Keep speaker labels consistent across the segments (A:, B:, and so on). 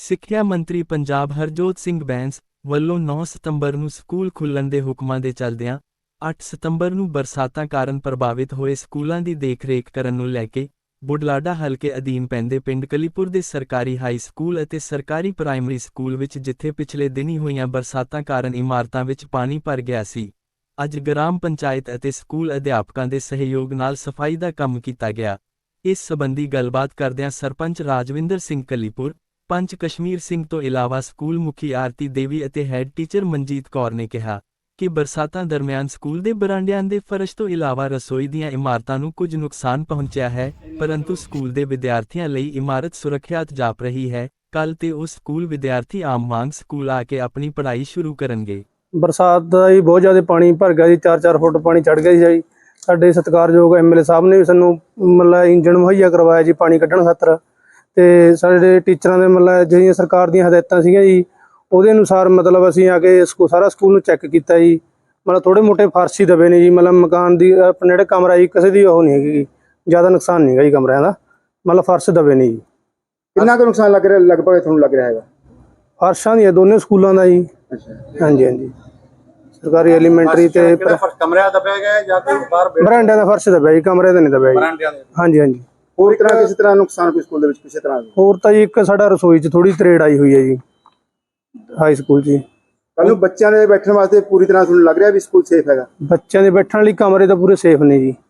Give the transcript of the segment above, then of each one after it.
A: ਸਿੱਖਿਆ ਮੰਤਰੀ ਪੰਜਾਬ ਹਰਜੋਤ ਸਿੰਘ ਬੈਂਸ ਵੱਲੋਂ 9 ਸਤੰਬਰ ਨੂੰ ਸਕੂਲ ਖੁੱਲ੍ਹਣ ਦੇ ਹੁਕਮਾਂ ਦੇ ਚੱਲਦਿਆਂ 8 ਸਤੰਬਰ ਨੂੰ ਬਰਸਾਤਾਂ ਕਾਰਨ ਪ੍ਰਭਾਵਿਤ ਹੋਏ ਸਕੂਲਾਂ ਦੀ ਦੇਖਰੇਖ ਕਰਨ ਨੂੰ ਲੈ ਕੇ ਬੁਢਲਾਡਾ ਹਲਕੇ ਅਧੀਨ ਪੈਂਦੇ ਪਿੰਡ ਕਲੀਪੁਰ ਦੇ ਸਰਕਾਰੀ ਹਾਈ ਸਕੂਲ ਅਤੇ ਸਰਕਾਰੀ ਪ੍ਰਾਇਮਰੀ ਸਕੂਲ ਵਿੱਚ ਜਿੱਥੇ ਪਿਛਲੇ ਦਿਨੀਂ ਹੋਈਆਂ ਬਰਸਾਤਾਂ ਕਾਰਨ ਇਮਾਰਤਾਂ ਵਿੱਚ ਪਾਣੀ ਭਰ ਗਿਆ ਸੀ, ਅੱਜ ਗ੍ਰਾਮ ਪੰਚਾਇਤ ਅਤੇ ਸਕੂਲ ਅਧਿਆਪਕਾਂ ਦੇ ਸਹਿਯੋਗ ਨਾਲ ਸਫਾਈ ਦਾ ਕੰਮ ਕੀਤਾ ਗਿਆ। ਇਸ ਸਬੰਧੀ ਗੱਲਬਾਤ ਕਰਦਿਆਂ ਸਰਪੰਚ ਰਾਜਵਿੰਦਰ ਸਿੰਘ ਕਲੀਪੁਰ, ਪੰਚ ਕਸ਼ਮੀਰ ਸਿੰਘ ਤੋਂ ਇਲਾਵਾ ਸਕੂਲ ਮੁਖੀ ਆਰਤੀ ਦੇਵੀ ਅਤੇ ਹੈੱਡ ਟੀਚਰ ਮਨਜੀਤ ਕੌਰ ਨੇ ਕਿਹਾ ਕਿ ਬਰਸਾਤਾਂ ਦਰਮਿਆਨ ਸਕੂਲ ਦੇ ਬਰਾਂਡਿਆਂ ਦੇ ਫਰਸ਼ ਤੋਂ ਇਲਾਵਾ ਰਸੋਈ ਦੀਆਂ ਇਮਾਰਤਾਂ ਨੂੰ ਕੁਝ ਨੁਕਸਾਨ ਪਹੁੰਚਿਆ ਹੈ, ਪਰੰਤੂ ਸਕੂਲ ਦੇ ਵਿਦਿਆਰਥੀਆਂ ਲਈ ਇਮਾਰਤ ਸੁਰੱਖਿਅਤ ਜਾਪ ਰਹੀ ਹੈ। ਕੱਲ੍ਹ ਤੇ ਉਹ ਸਕੂਲ ਵਿਦਿਆਰਥੀ ਆਮ ਵਾਂਗ ਸਕੂਲ ਆ ਕੇ ਆਪਣੀ ਪੜ੍ਹਾਈ ਸ਼ੁਰੂ ਕਰਨਗੇ।
B: ਬਰਸਾਤ ਦਾ ਜੀ ਬਹੁਤ ਜ਼ਿਆਦਾ ਪਾਣੀ ਭਰ ਗਿਆ ਜੀ, 4-4 ਫੁੱਟ ਪਾਣੀ ਚੜ੍ਹ ਗਿਆ ਜੀ। ਸਾਡੇ ਸਤਿਕਾਰਯੋਗ ਐਮਐਲਏ ਸਾਹਿਬ ਨੇ ਵੀ ਸਾਨੂੰ ਮਤਲਬ ਇੰਜਣ ਮੁਹੱਈਆ ਕਰਵਾਇਆ ਜੀ ਪਾਣੀ ਕੱਢਣ ਖਾਤਰ, ਤੇ ਸਾਡੇ ਟੀਚਰਾਂ ਦੇ ਮਤਲਬ ਜਿਹੜੀਆਂ ਸਰਕਾਰ ਦੀਆਂ ਹਦਾਇਤਾਂ ਸੀਗੀਆਂ ਜੀ ਉਹਦੇ ਅਨੁਸਾਰ ਮਤਲਬ ਅਸੀਂ ਆ ਕੇ ਸਾਰਾ ਸਕੂਲ ਨੂੰ ਚੈੱਕ ਕੀਤਾ ਜੀ। ਮਤਲਬ ਥੋੜੇ ਮੋਟੇ ਫਰਸ਼ ਹੀ ਦਬੇ ਨੇ ਜੀ, ਮਤਲਬ ਮਕਾਨ ਦੀ ਆਪਣੇ ਜਿਹੜਾ ਕਮਰਾ ਜੀ ਕਿਸੇ ਦੀ ਉਹ ਨਹੀਂ ਹੈਗੀ, ਜ਼ਿਆਦਾ ਨੁਕਸਾਨ ਨਹੀਂ ਹੈਗਾ ਜੀ ਕਮਰਿਆਂ ਦਾ, ਮਤਲਬ ਫਰਸ਼ ਦਬੇ ਨੇ ਜੀ।
C: ਕਿੰਨਾ ਕੁ ਨੁਕਸਾਨ ਲੱਗ ਰਿਹਾ ਲਗਭਗ ਤੁਹਾਨੂੰ ਲੱਗ ਰਿਹਾ ਹੈਗਾ?
B: ਫਰਸ਼ਾਂ ਦੀਆਂ ਦੋਨੇ ਸਕੂਲਾਂ ਦਾ ਜੀ। ਹਾਂਜੀ ਹਾਂਜੀ, ਸਰਕਾਰੀ ਐਲੀਮੈਂਟਰੀ ਤੇ
C: ਕਮਰਿਆਂ ਦਬਿਆ ਗਿਆ ਜਾਂ ਕੋਈ ਬਾਹਰ
B: ਬਰਾਂਡਿਆਂ ਦਾ ਫਰਸ਼ ਦਬਿਆ ਜੀ, ਕਮਰੇ ਦਾ ਨਹੀਂ ਦਬਿਆ ਜੀ। ਹਾਂਜੀ ਹਾਂਜੀ।
C: ਹੋਰ ਤਰ੍ਹਾਂ ਕਿਸੇ ਤਰ੍ਹਾਂ ਨੁਕਸਾਨ ਕੋਈ ਸਕੂਲ ਦੇ ਵਿੱਚ ਕਿਸੇ ਤਰ੍ਹਾਂ?
B: ਹੋਰ ਤਾਂ ਜੀ ਇੱਕ ਸਾਡਾ ਰਸੋਈ 'ਚ ਥੋੜੀ ਤਰੇੜ ਆਈ ਹੋਈ ਹੈ ਜੀ ਹਾਈ ਸਕੂਲ 'ਚ।
C: ਕੱਲ ਨੂੰ ਬੱਚਿਆਂ ਦੇ ਬੈਠਣ ਵਾਸਤੇ ਪੂਰੀ ਤਰ੍ਹਾਂ ਤੁਹਾਨੂੰ ਲੱਗ ਰਿਹਾ ਵੀ ਸਕੂਲ ਸੇਫ ਹੈਗਾ?
B: ਬੱਚਿਆਂ ਦੇ ਬੈਠਣ ਲਈ ਕਮਰੇ ਤਾਂ ਪੂਰੇ ਸੇਫ ਨੇ ਜੀ।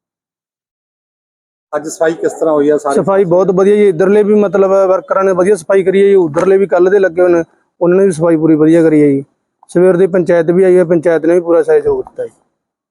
C: ਅੱਜ ਸਫਾਈ ਕਿਸ ਤਰ੍ਹਾਂ ਹੋਈ ਆ?
B: ਸਫਾਈ ਬਹੁਤ ਵਧੀਆ ਜੀ, ਇੱਧਰਲੇ ਵੀ ਮਤਲਬ ਵਰਕਰਾਂ ਨੇ ਵਧੀਆ ਸਫਾਈ ਕਰੀ ਹੈ ਜੀ, ਉੱਧਰਲੇ ਵੀ ਕੱਲ੍ਹ ਦੇ ਲੱਗੇ ਹੋਏ ਨੇ ਉਹਨਾਂ ਨੇ ਵੀ ਸਫਾਈ ਪੂਰੀ ਵਧੀਆ ਕਰੀ ਹੈ ਜੀ। ਸਵੇਰ ਦੀ ਪੰਚਾਇਤ ਵੀ ਆਈ ਹੈ, ਪੰਚਾਇਤ ਨੇ ਵੀ ਪੂਰਾ ਸਹਿਯੋਗ ਦਿੱਤਾ ਜੀ।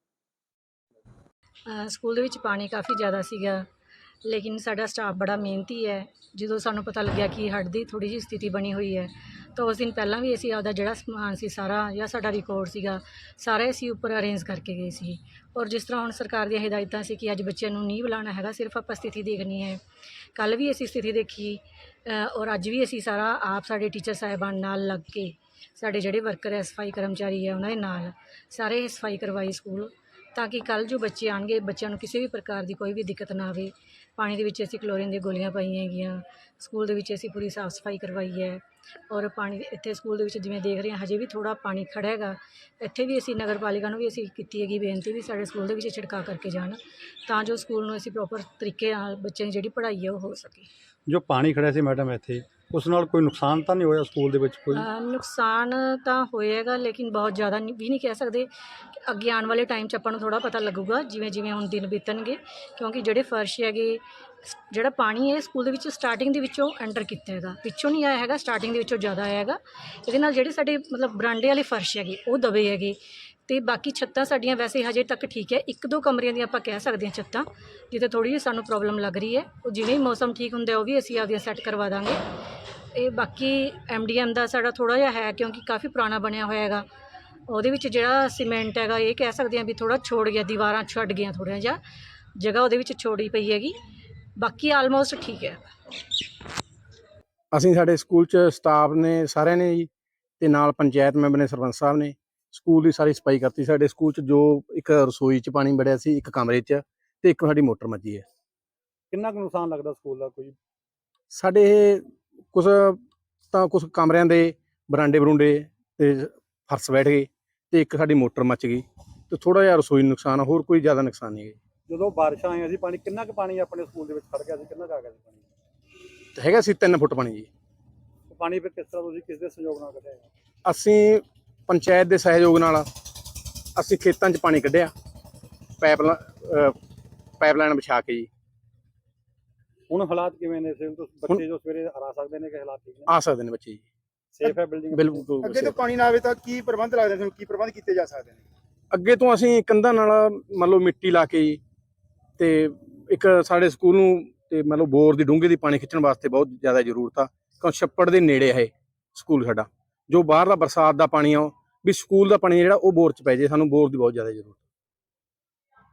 D: ਸਕੂਲ ਦੇ ਵਿੱਚ ਪਾਣੀ ਕਾਫੀ ਜ਼ਿਆਦਾ ਸੀਗਾ, ਲੇਕਿਨ ਸਾਡਾ ਸਟਾਫ ਬੜਾ ਮਿਹਨਤੀ ਹੈ। ਜਦੋਂ ਸਾਨੂੰ ਪਤਾ ਲੱਗਿਆ ਕਿ ਹੜ੍ਹ ਦੀ ਥੋੜ੍ਹੀ ਜਿਹੀ ਸਥਿਤੀ ਬਣੀ ਹੋਈ ਹੈ ਤਾਂ ਉਸ ਦਿਨ ਪਹਿਲਾਂ ਵੀ ਅਸੀਂ ਆਪਦਾ ਜਿਹੜਾ ਸਮਾਨ ਸੀ ਸਾਰਾ ਜਾਂ ਸਾਡਾ ਰਿਕਾਰਡ ਸੀਗਾ ਸਾਰਾ ਅਸੀਂ ਉੱਪਰ ਅਰੇਂਜ ਕਰਕੇ ਗਏ ਸੀ। ਔਰ ਜਿਸ ਤਰ੍ਹਾਂ ਹੁਣ ਸਰਕਾਰ ਦੀਆਂ ਹਦਾਇਤਾਂ ਸੀ ਕਿ ਅੱਜ ਬੱਚਿਆਂ ਨੂੰ ਨਹੀਂ ਬੁਲਾਉਣਾ ਹੈਗਾ, ਸਿਰਫ ਆਪਾਂ ਸਥਿਤੀ ਦੇਖਣੀ ਹੈ। ਕੱਲ੍ਹ ਵੀ ਅਸੀਂ ਸਥਿਤੀ ਦੇਖੀ ਔਰ ਅੱਜ ਵੀ ਅਸੀਂ ਸਾਰਾ ਆਪ ਸਾਡੇ ਟੀਚਰ ਸਾਹਿਬਾਨ ਨਾਲ ਲੱਗ ਕੇ ਸਾਡੇ ਜਿਹੜੇ ਵਰਕਰ ਹੈ ਸਫਾਈ ਕਰਮਚਾਰੀ ਹੈ ਉਹਨਾਂ ਦੇ ਨਾਲ ਸਾਰੇ ਸਫਾਈ ਕਰਵਾਈ ਸਕੂਲ, ਤਾਂ ਕਿ ਕੱਲ੍ਹ ਜੋ ਬੱਚੇ ਆਉਣਗੇ ਬੱਚਿਆਂ ਨੂੰ ਕਿਸੇ ਵੀ ਪ੍ਰਕਾਰ ਦੀ ਕੋਈ ਵੀ ਦਿੱਕਤ ਨਾ ਆਵੇ। ਪਾਣੀ ਦੇ ਵਿੱਚ ਅਸੀਂ ਕਲੋਰੀਨ ਦੀਆਂ ਗੋਲੀਆਂ ਪਾਈਆਂ ਹੈਗੀਆਂ, ਸਕੂਲ ਦੇ ਵਿੱਚ ਅਸੀਂ ਪੂਰੀ ਸਾਫ਼ ਸਫਾਈ ਕਰਵਾਈ ਹੈ। ਔਰ ਪਾਣੀ ਇੱਥੇ ਸਕੂਲ ਦੇ ਵਿੱਚ ਜਿਵੇਂ ਦੇਖ ਰਹੇ ਹਾਂ ਹਜੇ ਵੀ ਥੋੜ੍ਹਾ ਪਾਣੀ ਖੜ੍ਹਾ ਹੈਗਾ, ਇੱਥੇ ਵੀ ਅਸੀਂ ਨਗਰ ਪਾਲਿਕਾ ਨੂੰ ਵੀ ਅਸੀਂ ਕੀਤੀ ਹੈਗੀ ਬੇਨਤੀ ਵੀ ਸਾਡੇ ਸਕੂਲ ਦੇ ਵਿੱਚ ਛਿੜਕਾਅ ਕਰਕੇ ਜਾਣ ਤਾਂ ਜੋ ਸਕੂਲ ਨੂੰ ਅਸੀਂ ਪ੍ਰੋਪਰ ਤਰੀਕੇ ਨਾਲ ਬੱਚਿਆਂ ਦੀ ਜਿਹੜੀ ਪੜ੍ਹਾਈ ਹੈ ਉਹ ਹੋ ਸਕੇ।
E: ਜੋ ਪਾਣੀ ਖੜਿਆ ਸੀ ਮੈਡਮ ਇੱਥੇ, ਉਸ ਨਾਲ ਕੋਈ ਨੁਕਸਾਨ ਤਾਂ ਨਹੀਂ ਹੋਇਆ ਸਕੂਲ ਦੇ ਵਿੱਚ? ਕੋਈ
D: ਨੁਕਸਾਨ ਤਾਂ ਹੋਏਗਾ ਲੇਕਿਨ ਬਹੁਤ ਜ਼ਿਆਦਾ ਵੀ ਨਹੀਂ ਕਹਿ ਸਕਦੇ। ਅੱਗੇ ਆਉਣ ਵਾਲੇ ਟਾਈਮ 'ਚ ਆਪਾਂ ਨੂੰ ਥੋੜ੍ਹਾ ਪਤਾ ਲੱਗੂਗਾ ਜਿਵੇਂ ਜਿਵੇਂ ਹੁਣ ਦਿਨ ਬੀਤਣਗੇ, ਕਿਉਂਕਿ ਜਿਹੜੇ ਫਰਸ਼ ਹੈਗੇ ਜਿਹੜਾ ਪਾਣੀ ਹੈ ਸਕੂਲ ਦੇ ਵਿੱਚ ਸਟਾਰਟਿੰਗ ਦੇ ਵਿੱਚੋਂ ਐਂਟਰ ਕੀਤਾ ਹੈਗਾ, ਪਿੱਛੋਂ ਨਹੀਂ ਆਇਆ ਹੈਗਾ, ਸਟਾਰਟਿੰਗ ਦੇ ਵਿੱਚੋਂ ਜ਼ਿਆਦਾ ਆਇਆ ਹੈਗਾ। ਇਹਦੇ ਨਾਲ ਜਿਹੜੇ ਸਾਡੇ ਮਤਲਬ ਬਰਾਂਡੇ ਵਾਲੇ ਫਰਸ਼ ਹੈਗੇ ਉਹ ਦਬੇ ਹੈਗੇ, ਅਤੇ ਬਾਕੀ ਛੱਤਾਂ ਸਾਡੀਆਂ ਵੈਸੇ ਹਜੇ ਤੱਕ ਠੀਕ ਹੈ। 1-2 ਕਮਰਿਆਂ ਦੀਆਂ ਆਪਾਂ ਕਹਿ ਸਕਦੇ ਹਾਂ ਛੱਤਾਂ ਜਿੱਥੇ ਥੋੜ੍ਹੀ ਜਿਹੀ ਸਾਨੂੰ ਪ੍ਰੋਬਲਮ ਲੱਗ ਰਹੀ ਹੈ, ਉਹ ਜਿਵੇਂ ਹੀ ਮੌਸਮ ਠੀਕ ਹੁੰਦਾ ਉਹ ਵੀ ਅਸੀਂ ਆਪਦੀਆਂ ਸੈੱਟ ਕਰਵਾ ਦਾਂਗੇ। ਇਹ ਬਾਕੀ MDM ਦਾ ਸਾਡਾ ਥੋੜ੍ਹਾ ਜਿਹਾ ਹੈ ਕਿਉਂਕਿ ਕਾਫੀ ਪੁਰਾਣਾ ਬਣਿਆ ਹੋਇਆ ਹੈਗਾ, ਉਹਦੇ ਵਿੱਚ ਜਿਹੜਾ ਸੀਮੈਂਟ ਹੈਗਾ ਇਹ ਕਹਿ ਸਕਦੇ ਹਾਂ ਵੀ ਥੋੜ੍ਹਾ ਛੋੜ ਗਿਆ, ਦੀਵਾਰਾਂ ਛੱਡ ਗਈਆਂ ਥੋੜ੍ਹਾ ਜਿਹਾ ਜਗ੍ਹਾ ਉਹਦੇ ਵਿੱਚ ਛੋੜੀ ਪਈ ਹੈਗੀ, ਬਾਕੀ ਆਲਮੋਸਟ ਠੀਕ ਹੈ।
F: ਅਸੀਂ ਸਾਡੇ ਸਕੂਲ 'ਚ ਸਟਾਫ ਨੇ ਸਾਰਿਆਂ ਨੇ ਜੀ, ਅਤੇ ਨਾਲ ਪੰਚਾਇਤ ਮੈਂਬਰ ਨੇ, ਸਰਪੰਚ ਸਾਹਿਬ ਨੇ ਸਕੂਲ ਦੀ ਸਾਰੀ ਸਫਾਈ ਕਰਤੀ। ਸਾਡੇ ਸਕੂਲ 'ਚ ਜੋ ਇੱਕ ਰਸੋਈ 'ਚ ਪਾਣੀ ਵੜਿਆ ਸੀ, ਇੱਕ ਕਮਰੇ 'ਚ, ਅਤੇ ਇੱਕ ਸਾਡੀ ਮੋਟਰ ਮੱਚੀ ਹੈ।
E: ਕਿੰਨਾ ਕੁ ਨੁਕਸਾਨ ਲੱਗਦਾ ਸਕੂਲ ਦਾ? ਕੋਈ
F: ਸਾਡੇ ਇਹ ਕੁਛ ਕਮਰਿਆਂ ਦੇ ਬਰਾਂਡੇ ਬਰੂੰਡੇ ਅਤੇ ਫਰਸ਼ ਬੈਠ ਗਏ, ਅਤੇ ਇੱਕ ਸਾਡੀ ਮੋਟਰ ਮੱਚ ਗਈ, ਅਤੇ ਥੋੜ੍ਹਾ ਜਿਹਾ ਰਸੋਈ ਨੂੰ ਨੁਕਸਾਨ, ਹੋਰ ਕੋਈ ਜ਼ਿਆਦਾ ਨੁਕਸਾਨ ਨਹੀਂ ਹੈ।
E: ਜਦੋਂ ਬਾਰਿਸ਼ਾਂ ਆਈਆਂ ਸੀ ਪਾਣੀ ਕਿੰਨਾ ਕੁ ਪਾਣੀ ਆਪਣੇ ਸਕੂਲ ਦੇ ਵਿੱਚ ਖੜ੍ਹ ਗਿਆ ਸੀ? ਕਿੰਨਾ ਕੁ ਆ ਗਿਆ ਸੀ ਪਾਣੀ?
F: ਹੈਗਾ ਸੀ 3 ਫੁੱਟ ਪਾਣੀ ਜੀ।
E: ਪਾਣੀ ਫਿਰ ਕਿਸ ਤਰ੍ਹਾਂ ਤੁਸੀਂ ਕਿਸ ਦੇ ਸਹਿਯੋਗ ਨਾਲ ਕੱਢਿਆ?
F: ਅਸੀਂ ਪੰਚਾਇਤ ਦੇ ਸਹਿਯੋਗ ਨਾਲ ਅਸੀਂ ਖੇਤਾਂ 'ਚ ਪਾਣੀ ਕੱਢਿਆ, ਪਾਈਪਲਾਈਨ ਵਿਛਾ ਕੇ ਜੀ।
E: ਹੁਣ ਹਾਲਾਤ ਕਿਵੇਂ ਨੇ? ਬੱਚੇ ਜੋ ਸਵੇਰੇ ਆ ਸਕਦੇ ਨੇ ਕਿ ਹਾਲਾਤ ਠੀਕ ਨੇ?
F: ਆ ਸਕਦੇ ਨੇ ਬੱਚੇ ਜੀ,
E: ਸੇਫ ਹੈ ਬਿਲਡਿੰਗ?
F: ਬਿਲਕੁਲ।
C: ਅੱਗੇ ਤੋਂ ਪਾਣੀ ਨਾ ਆਵੇ ਤਾਂ ਕੀ ਪ੍ਰਬੰਧ ਲੱਗਦੇ ਤੁਹਾਨੂੰ? ਕੀ ਪ੍ਰਬੰਧ ਕੀਤੇ ਜਾ ਸਕਦੇ ਨੇ?
F: ਅੱਗੇ ਤੋਂ ਅਸੀਂ ਕੰਧਾਂ ਨਾਲ ਮੰਨ ਲਓ ਮਿੱਟੀ ਲਾ ਕੇ ਜੀ, ਅਤੇ ਇੱਕ ਸਾਡੇ ਸਕੂਲ ਨੂੰ ਅਤੇ ਮਤਲਬ ਬੋਰ ਦੀ ਡੂੰਘੇ ਦੀ ਪਾਣੀ ਖਿੱਚਣ ਵਾਸਤੇ ਬਹੁਤ ਜ਼ਿਆਦਾ ਜ਼ਰੂਰਤ ਆ, ਕਿਉਂ ਛੱਪੜ ਦੇ ਨੇੜੇ ਹੈ ਸਕੂਲ ਸਾਡਾ। ਜੋ ਬਾਹਰਲਾ ਬਰਸਾਤ ਦਾ ਪਾਣੀ ਆ ਵੀ ਸਕੂਲ ਦਾ ਪਾਣੀ ਜਿਹੜਾ ਉਹ ਬੋਰ 'ਚ ਪੈ ਜੇ, ਸਾਨੂੰ ਬੋਰ ਦੀ ਬਹੁਤ ਜ਼ਿਆਦਾ ਜ਼ਰੂਰਤ।